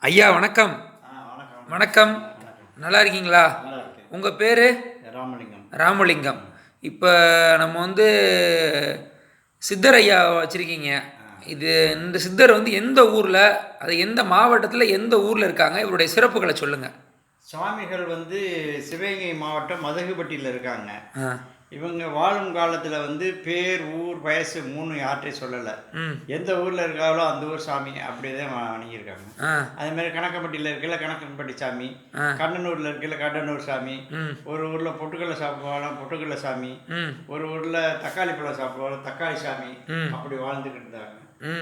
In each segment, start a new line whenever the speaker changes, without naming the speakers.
ஐயா வணக்கம்.
வணக்கம்.
வணக்கம். நல்லா இருக்கீங்களா?
நல்லா இருக்கேன்.
உங்கள் பேர்?
ராமலிங்கம்.
ராமலிங்கம். இப்போ நம்ம சித்தர் ஐயா வச்சுருக்கீங்க. இந்த சித்தர் எந்த ஊரில், அது எந்த மாவட்டத்தில், எந்த ஊரில் இருக்காங்க? இவருடைய சிறப்புகளை சொல்லுங்கள்.
சுவாமிகள் சிவகங்கை மாவட்டம் மதகுபட்டியில் இருக்காங்க. இவங்க வாழும் காலத்தில் பேர், ஊர், வயசு 3 யார்கிட்டையும் சொல்லலை. எந்த ஊரில் இருக்காங்களோ அந்த ஊர் சாமி அப்படிதான் வணங்கியிருக்காங்க. அதேமாதிரி கணக்கம்பட்டியில் இருக்கல கணக்கம்பட்டி சாமி, கண்ணனூரில் இருக்கல கண்ணனூர் சாமி, ஒரு ஊரில் பொட்டுக்கடலை சாப்பிடுவாங்க பொட்டுக்கடலை சாமி, ஒரு ஊரில் தக்காளி பழம் சாப்பிடுவாங்க தக்காளி சாமி, அப்படி வாழ்ந்துக்கிட்டு இருந்தாங்க.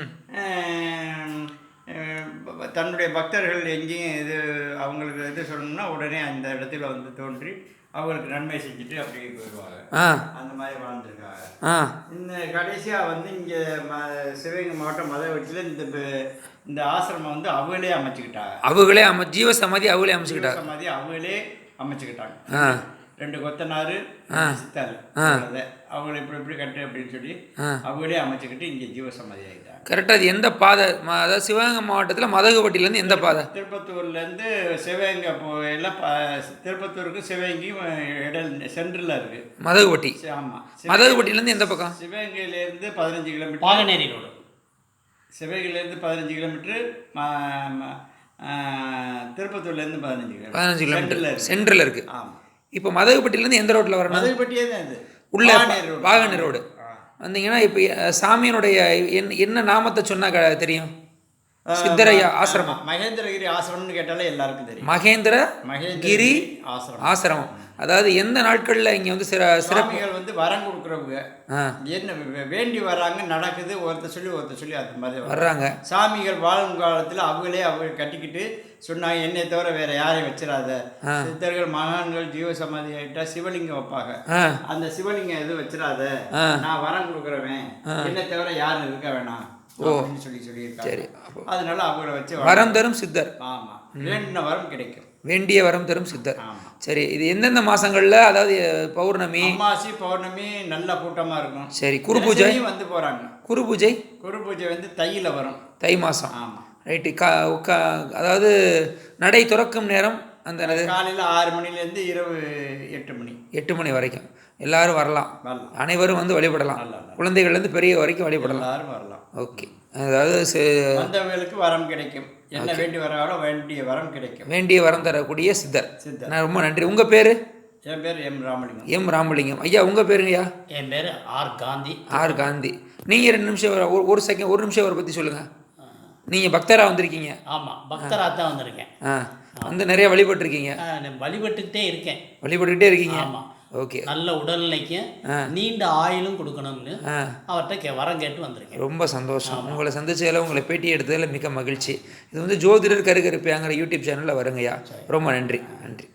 தன்னுடைய பக்தர்கள் எங்கேயும் அவங்களுக்கு சொல்லணும்னா உடனே அந்த இடத்துல தோன்றி அவங்களுக்கு நன்மை செஞ்சுட்டு அப்படியே போயிடுவாங்க. அந்த மாதிரி வாழ்ந்துருக்காங்க. இந்த கடைசியாக இங்கே சிவகங்கை மாவட்டம் மதவெட்டியில் இந்த ஆசிரமம் அவங்களே அமைச்சுக்கிட்டாங்க.
ஜீவசமாதி அவங்களே அமைச்சுக்கிட்டாங்க.
சமாதி அவங்களே அமைச்சுக்கிட்டாங்க. 2 கொத்தனார் சித்தாள் அவங்களை இப்படி கட்டு அப்படின்னு சொல்லி அவங்களே அமைச்சுக்கிட்டு இங்கே ஜீவசமாதி ஆகிட்டாங்க.
கரெக்டாக. அது எந்த பாதை? அதாவது சிவகங்கை மாவட்டத்தில் மதகுபட்டியிலேருந்து எந்த பாதை?
திருப்பத்தூர்லேருந்து சிவகங்கை எல்லாம் திருப்பத்தூருக்கு சிவகங்கையும் சென்ட்ரலில் இருக்குது
மதகுபட்டி.
ஆமாம்.
மதகுபட்டியிலேருந்து எந்த பக்கம்?
சிவகங்கையிலேருந்து 15 கிலோமீட்டர்.
பாகனேரி ரோடு.
சிவகங்கையிலேருந்து 15 கிலோமீட்ரு, திருப்பத்தூர்லேருந்து
15 கிலோமீட்டர் சென்ட்ரலில் இருக்குது.
ஆமாம்.
இப்போ மதகுபட்டியிலேருந்து எந்த ரோட்டில் வரணும்?
மதகுபட்டியே தான் இது
உள்ள பாகனேரி ரோடு வந்தீங்கன்னா இப்போ சாமியினுடைய என்ன நாமத்தை சொன்னா தெரியும்? சித்தரையா ஆசிரமம்.
மகேந்திரகிரி ஆசிரமம்னு கேட்டாலே எல்லாருக்கும் தெரியும்.
மகேந்திரகிரி ஆசிரமம். அதாவது எந்த நாட்களில் இங்கே
சிறப்புகள் வரம் கொடுக்குறவங்க என்ன வேண்டி வராங்க, நடக்குது, ஒருத்தர் சொல்லி அது மாதிரி
வர்றாங்க.
சாமிகள் வாழும் காலத்தில் அவங்க கட்டிக்கிட்டு சொன்னாங்க, என்னை தவிர வேற யாரையும் வச்சிடாத. சித்தர்கள் மகான்கள் ஜீவசமாதி ஆகிட்டா சிவலிங்கம் வைப்பாங்க. அந்த சிவலிங்கம் எதுவும் வச்சிடாத, நான் வரம் கொடுக்குறவன், என்னை தவிர யாரும் இருக்க வேணாம் சொல்லியிருக்காங்க. அதனால அவங்கள வச்சு
வரம் தரும் சித்தர்.
ஆமா, வேண்டின வரம் கிடைக்கும்.
வேண்டிய வரம் தரும் சித்தர். சரி, இது எந்தெந்த மாசங்கள்ல? அதாவது பௌர்ணமி,
அமாவாசை, பௌர்ணமி நல்ல கூட்டமா இருக்கும்.
சரி, குரு பூஜை
போறாங்க.
குரு பூஜை
தையில வரும்.
தை மாசம்.
ஆமா,
ரைட்டு. அதாவது நடை துறக்கும் நேரம் அந்த
காலையில் 6 மணிலேருந்து இரவு 8 மணி
வரைக்கும் எல்லாரும் வரலாம். அனைவரும் வழிபடலாம். குழந்தைகள்லேருந்து பெரிய வரைக்கும் வழிபடலாம்.
எல்லாரும் வரலாம்.
ஓகே. அதாவது
வந்தவங்களுக்கு வரம் கிடைக்கும். என்ன வேண்டி வராங்களோ வேண்டிய வரம் கிடைக்கும்.
வேண்டிய வரம் தரக்கூடிய சித்தர். நான் ரொம்ப நன்றி. உங்கள் பேர்?
என் பேர் எம் ராமலிங்கம்.
எம் ராமலிங்கம். ஐயா உங்கள் பேருங்கய்யா?
என் பேர் ஆர் காந்தி.
ஆர் காந்தி. நீங்கள் 2 நிமிஷம் ஒரு நிமிஷம் அவரை பற்றி சொல்லுங்கள். நீங்கள் பக்தராக வந்திருக்கீங்க?
ஆமாம், பக்தராக தான் வந்திருக்கேன்.
நிறைய வழிபட்டுருக்கீங்க?
வழிபட்டுக்கிட்டே இருக்கேன்.
வழிபட்டுக்கிட்டே இருக்கீங்க?
ஆமாம்.
ஓகே.
நல்ல உடல்நிலைக்கும் நீண்ட ஆயுளும் கொடுக்கணும்னு அவர்கிட்ட வரம் கேட்டு வந்திருக்கேன்.
ரொம்ப சந்தோஷம். உங்களை சந்திச்சதில், உங்களை பேட்டி எடுத்ததில் மிக மகிழ்ச்சி. இது ஜோதிடர் கருகருப்பையாங்கிற யூடியூப் சேனலில் வருங்கய்யா. ரொம்ப நன்றி. நன்றி.